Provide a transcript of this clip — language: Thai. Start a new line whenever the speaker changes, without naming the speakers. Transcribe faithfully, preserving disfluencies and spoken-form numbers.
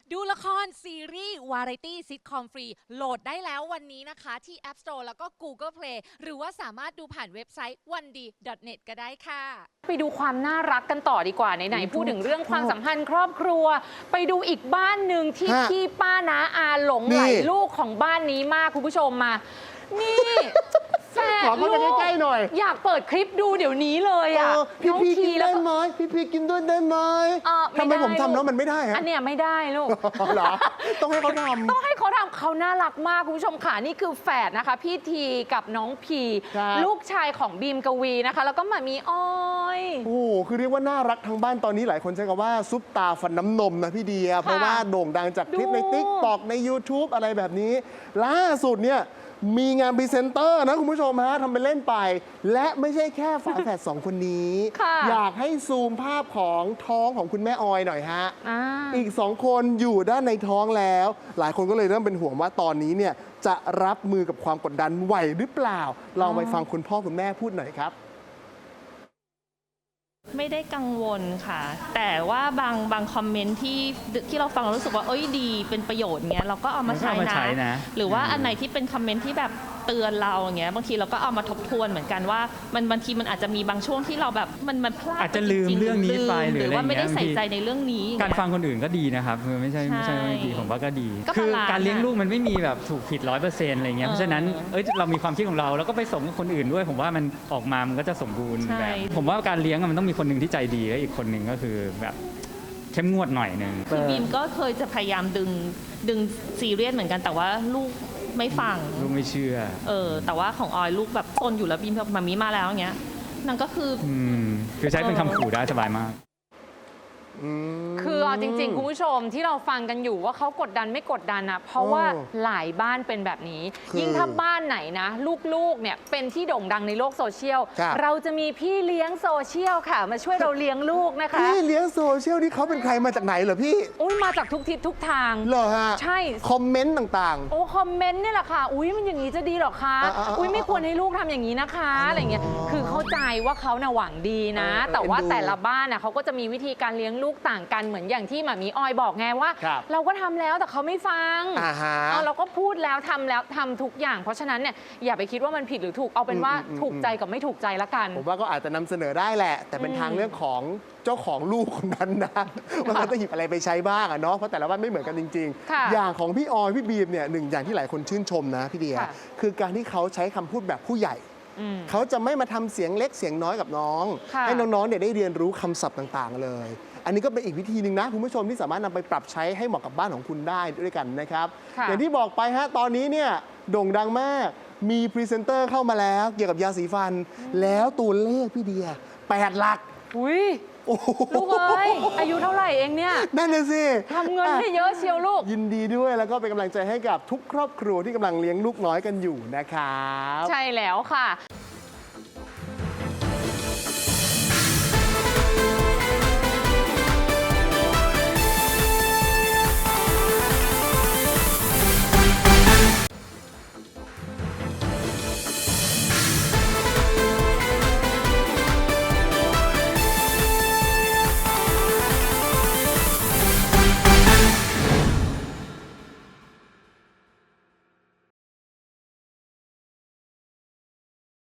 ดูละครซีรีส์วาไรตี้ซิทคอมฟรีโหลดได้แล้ววันนี้นะคะที่ App Store แล้วก็ Google Play หรือว่าสามารถดูผ่านเว็บไซต์ วันดี ดอท เน็ต ก็ได้ค่ะ
ไปดูความน่ารักกันต่อดีกว่าไหนๆพูดถึงเรื่องความสัมพันธ์ครอบครัวไปดูอีกบ้านหนึ่งที่พี่ป้าน้าอาหลงไหลลูกของบ้านนี้มากคุณผู้ชมมานี่แฝดลูกใกล้ๆหน่อยอยากเปิดคลิปดูเดี๋ยวนี้เลยอ่ะ
พี่พีกินได้ไหมพี่พีกินด้วยได้ไหมทำไมผมทำแล้วมันไม่ได้ฮะ
อันเนี้ยไม่ได้ลูก
เหรอต้องให้เขาทำ
ต้องให้เขาทำเขาน่ารักมากคุณผู้ชมค่ะนี่คือแฝดนะคะพี่ทีกับน้องพีลูกชายของบีมกวีนะคะแล้วก็มามีอ้อย
โอ้คือเรียกว่าน่ารักทั้งบ้านตอนนี้หลายคนใช้คำว่าซุปตาฟันน้ำนมนะพี่เดียเพราะว่าโด่งดังจากคลิปใน ติ๊กต็อก ใน ยูทูบ อะไรแบบนี้ล่าสุดเนี่ยมีงานพรีเซนเตอร์นะคุณผู้ชมฮะทำไปเล่นไปและไม่ใช่แค่ฝาแฝดสองคนนี้อยากให้ซูมภาพของท้องของคุณแม่ออยหน่อยฮะ อ, อีกสองคนอยู่ด้านในท้องแล้วหลายคนก็เลยเริ่มเป็นห่วงว่าตอนนี้เนี่ยจะรับมือกับความกดดันไหวหรือเปล่าลองไปฟังคุณพ่อคุณแม่พูดหน่อยครับ
ไม่ได้กังวลค่ะแต่ว่าบางบางคอมเมนต์ที่ที่เราฟังเรารู้สึกว่าเอ้ยดีเป็นประโยชน์เงี้ยเราก็เอามาใช้นะ หรือว่าอันไหนที่เป็นคอมเมนต์ที่แบบเตือนเราอย่างเงี้ยบางทีเราก็เอามาทบทวนเหมือนกันว่ามันบางทีมันอาจจะมีบางช่วงที่เราแบบมันมันพลาด
อาจจะลืมเรื่องนี้ไปหรือ
ว่าไม่ได้ใส่ใจในเรื่องนี้
การฟังคนอื่นก็ดีนะครับคือไม่ใช่ไม่ใช่ไม่ดีผมว่าก็ดีคือการเลี้ยงลูกมันไม่มีแบบถูกผิดร้อยเปอร์เซ็นต์อะไรเงี้ยเพราะฉะนั้นเอ้ยเรามีความคิดของเราแล้วก็ไปส่งคนอื่นด้วยผมว่ามันออกมามันก็จะสมบูรณ์แบบผมว่าการเลี้ยงมันต้องมีคนหนึ่งที่ใจดีและอีกคนหนึ่งก็คือแบบเข้มงวดหน่อยนึง
พี่บีมก็เคยจะพยายามดึงดึงซีเรียสเหมือนกันแต่ว่าลูกไม่ฟัง
ลูกไม่เชื่อ
เออแต่ว่าของออยลูกแบบซนอยู่แล้วบีมแบบมามีมาแล้วอย่างเงี้ยนั่นก็คือ
อืมคือใช้เป็นคำขู่ได้สบายมาก
คือเอาจริงๆคุณผู้ชมที่เราฟังกันอยู่ว่าเขากดดันไม่กดดันนะเพราะว่าหลายบ้านเป็นแบบนี้ยิ่งถ้าบ้านไหนนะลูกๆเนี่ยเป็นที่โด่งดังในโลกโซเชียลเราจะมีพี่เลี้ยงโซเชียลค่ะมาช่วยเราเลี้ยงลูกนะคะ
พี่เลี้ยงโซเชียลนี่เขาเป็นใครมาจากไหนเหรอพี่
อุ้ยมาจากทุกทิศทุกทาง
เหรอฮะ
ใช่
คอมเมนต์ต่าง
ๆโอ้คอมเมนต์นี่แหละค่ะอุ้ยมันอย่างนี้จะดีหรอคะอุ้ยไม่ควรให้ลูกทำอย่างนี้นะคะอะไรเงี้ยคือเข้าใจว่าเขาน่ะหวังดีนะแต่ว่าแต่ละบ้านน่ะเขาก็จะมีวิธีการเลี้ยงลูกต่างกันเหมือนอย่างที่หมามีออยบอกไงว่าเราก็ทำแล้วแต่เขาไม่ฟังเราก็พูดแล้วทำแล้วทำทุกอย่างเพราะฉะนั้นเนี่ยอย่าไปคิดว่ามันผิดหรือถูกเอาเป็นว่าถูกใจกับไม่ถูกใจละกัน
ผมว่าก็อาจจะนำเสนอได้แหละแต่เป็นทางเรื่องของเจ้าของลูกคนนั้นนะว่าเขาจะหยิบอะไรไปใช้บ้างอะเนาะเพราะแต่ละบ้านไม่เหมือนกันจริงๆอย่างของพี่ออยพี่บีมเนี่ยหนึ่งอย่างที่หลายคนชื่นชมนะพี่เดียคือการที่เขาใช้คำพูดแบบผู้ใหญ่เขาจะไม่มาทำเสียงเล็กเสียงน้อยกับน้องให้น้องๆเนี่ยได้เรียนรู้คำศัพท์ต่างๆเลยอันนี้ก็เป็นอีกวิธีหนึ่งนะคุณผู้ชมที่สามารถนำไปปรับใช้ให้เหมาะกับบ้านของคุณได้ด้วยกันนะครับอย่างที่บอกไปฮะตอนนี้เนี่ยโด่งดังมากมีพรีเซนเตอร์เข้ามาแล้วเกี่ยวกับยาสีฟันแล้วตัวเลขพี่เดียแปดหลัก
อุ้ยลูกเอ้ยอายุเท่าไหร่เองเนี่ย
นั่นเลยสิ
ทำเงินให้เยอะเชียวลูก
ยินดีด้วยแล้วก็เป็นกำลังใจให้กับทุกครอบครัวที่กำลังเลี้ยงลูกน้อยกันอยู่นะครับ
ใช่แล้วค่ะ